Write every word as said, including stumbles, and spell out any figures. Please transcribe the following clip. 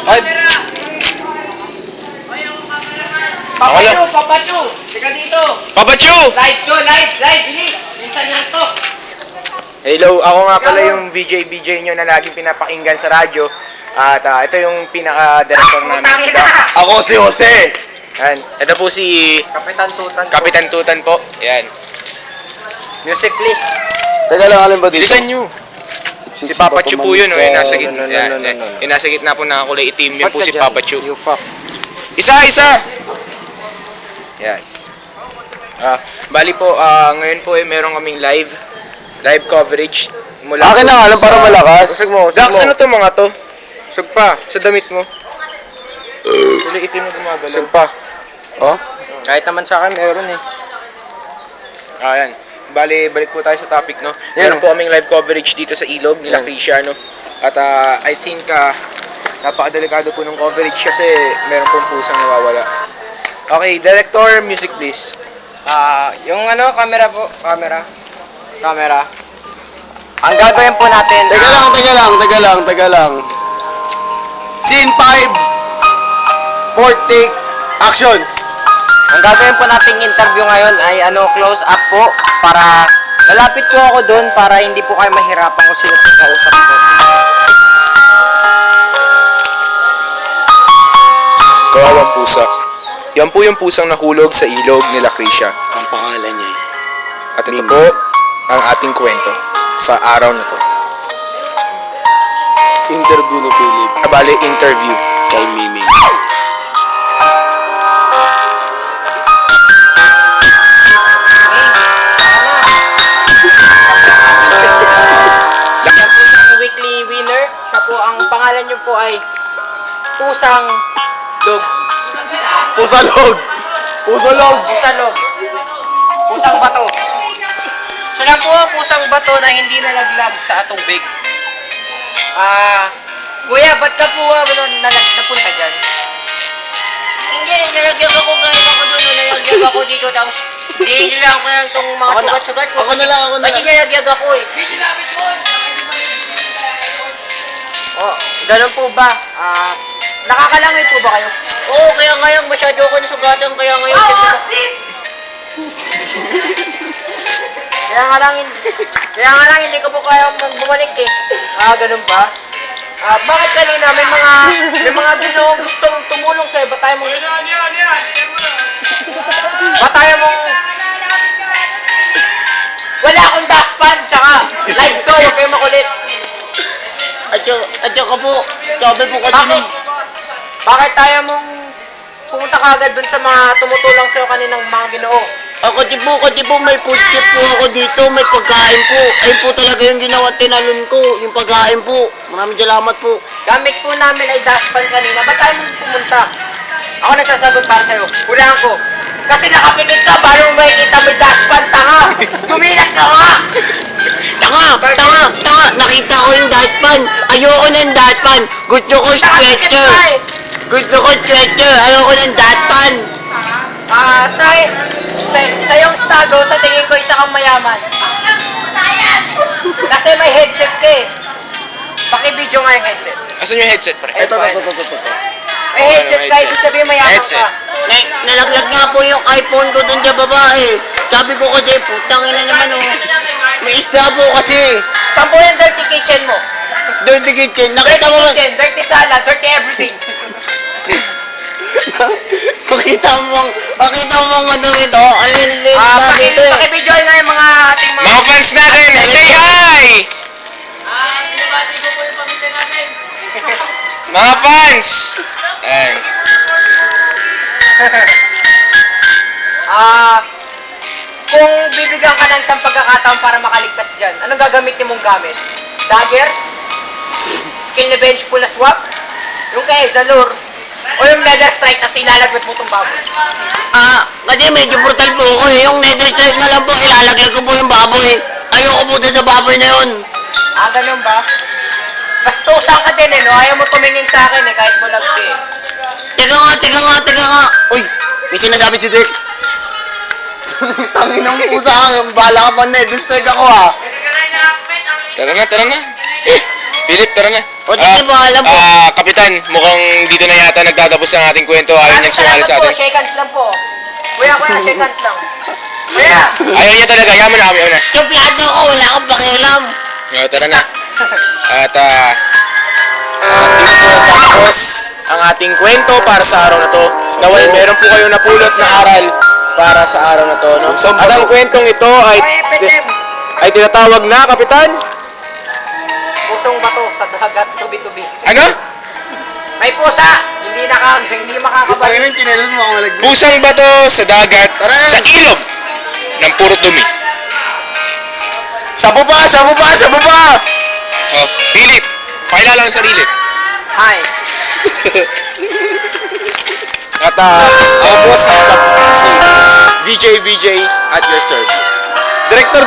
Ay! Papachu, papachu! Teka dito! Papachu! Live to, live, live, bilis! Minsan yan to! Hello, ako nga pala yung V J B J nyo na laging pinapakinggan sa radyo. At ah, ito yung pinaka-director namin. Putangin na! Ako si Jose! Yan. Ito po si Kapitan Tutan. Kapitan Tutan po. Yan. Music please. Teka lang, alin ba dito? Bilisan nyo. Si Papa Chu po yun, oh, yung nasa gitna. Yan, yan. Yung nasa gitna po na kulay itim, yun po si Papa Chu. You fuck. Isa, isa! Yan. Ah, bali po, ah, ngayon po eh, meron kaming live, live coverage. Mula Akin po na nga lang para sa- malakas. Usag mo, Dax, ano to mga to? Usag pa, sa damit mo. Kulay itim na gumagalaw. Saan pa? Oh? Kahit naman sa akin, meron eh. Ah, yan. Bali, balik po tayo sa topic, no? Yan. Meron po kaming live coverage dito sa Ilog, nila Yan. Krisha, no? At ah, I think, ah, napakadelikado po ng coverage kasi meron pong pusang nawawala. Okay, director, music please. Ah, yung ano, camera po, camera. Camera. Ang gagawin po natin, Teka lang, teka lang, teka lang, teka lang. Scene five. Fourth take. Action. ang gagawin po nating interview ngayon ay ano, close up po para lalapit po ako doon para hindi po kayo mahirapan kung sino pong kausap ko. Kawawang pusa. Yan po yung pusang nahulog sa ilog nila Krisha. Ang pangalan niya eh. At ito Mimi. po ang ating kwento sa araw na to. Interview ni Philip Ah, bali, interview. kay Mimi. Yan po siyang weekly winner. Siya po, ang pangalan niyo po ay Pusang Log. Pusalog! Pusalog! Pusalog. Pusang bato. Siya lang po ang pusang bato na hindi nalaglag sa tubig. Ah, kuya, ba't ka po ah, ano, nalag, napunta dyan? Hindi, nalaglag ako gaya ako doon, nalaglag ako dito, tapos hindi nila ako lang itong mga Ako na- sugat-sugat ko. ako na lang, ako na Kasi lang. nalaglag ako eh. Oh, ganun po ba? Ah, nakakalangay po ba kayo? Oo, kaya ngayon masyado ako nasugatan, kaya ngayon... Kaya nga lang, hin- kaya nga lang hindi ko po kaya mong bumalik eh. Ah, ganun ba? Ah, bakit kanina may mga may mga ginoong gustong tumulong sa'yo? Ba't tayo mong... Ba't tayo mong... Wala akong dustpan, tsaka live to, huwag kayo makulit. Atyo, atyo ka po. Sabi po ka Bakit? Bakit tayo mong pumunta ka agad dun sa mga tumutulong sa'yo kaninang mga ginoo? Ako di po, kasi po may food trip po ako dito, may pagkain po. Ayun po talaga yung ginawa tinalon ko, yung pagkain po. Maraming salamat po. Gamit po namin ay dustpan kanina. Ba't tayo mong pumunta? Ako nagsasagot para sa'yo. Hulaan ko. Kasi nakapikit ka, paano mo makikita may dustpan, tanga? Tumilat ka nga! Tanga, tanga, tanga. Nakita ko yung dustpan. Ayoko ng dustpan. Gusto ko Nakapikit stretcher. ka eh! Gusto ko stretcher. Ayoko ng dustpan. Ah, sa, sa, sa iyong estado, sa tingin ko isa kang mayaman. Kasi may headset ka eh. Paki-video nga yung headset. Asan yung headset, pre? Ito, ito, ito, ito, ito. May headset ka, ibig sabihin mayaman Headset. ka. Na, nalaglag nga po yung iPhone ko dun sa babae. Sabi ko kasi, putang ina naman oh. May isda po kasi. Saan po yung dirty kitchen mo? Dirty kitchen. Nakita Dirty mo ba? kitchen, dirty salad, dirty everything. Makita mo, makita mo bang ano ito? Ano yung liit Ah, ba paki, dito eh? paki-video nga yung mga ating mga... Mga fans natin, say hi! Ah, binabati ko po yung pamilya namin. Mga fans! Ayan. Ah, kung bibigyan ka ng isang pagkakataon para makaligtas dyan, anong gagamitin mong gamit? Dagger? Skill na bench pull na swap? Yung kay Zalur? O yung nether strike kasi ilalagwat mo itong baboy? Ah, kasi medyo brutal po ako eh. Yung nether strike na lang po, ilalaglag ko po yung baboy. Ayoko po dun sa baboy na yun. Ah, ganun ba? Bastusan ka din eh, no? Ayaw mo tumingin sa akin eh, kahit bulag ka eh. Teka nga, teka nga, teka nga. Uy, may sinasabi si Dirk. Tangin ng pusa ka, bahala ka pa nether strike ako ah. Tara na, tara na. Philip, tara na. O, sige, bahala po. Ah, Kapitan Kapitan, mukhang dito na yata nagtatapos ang ating kwento. Ayaw niyang sumali sa po, atin. shake hands lang po. Kuya, kuya, shake hands lang. Kuya! Ayaw niya talaga. Yaman na kami. Ayaw na. Suplado ko, wala akong pakialam. Uh, tara na. At ah, uh, dito po tapos ang ating kwento para sa araw na to. Nawal, meron po kayo napulot na aral para sa araw na to. No? At ang kwentong ito ay, Oy, F H M! ay tinatawag na, Kapitan? Pusong bato sa dagat, tubi-tubi. Ano? May pusa! Hindi naka, hindi makakabalik. Panginoon, tinelon mo ako malaglag. Pusang bato sa dagat, sa ilog ng puro dumi. Sa baba, sa baba, sa baba! Oh, Philip, pakilala ang sarili. Hi! At ah, ako po si, si V J V J at your service. Director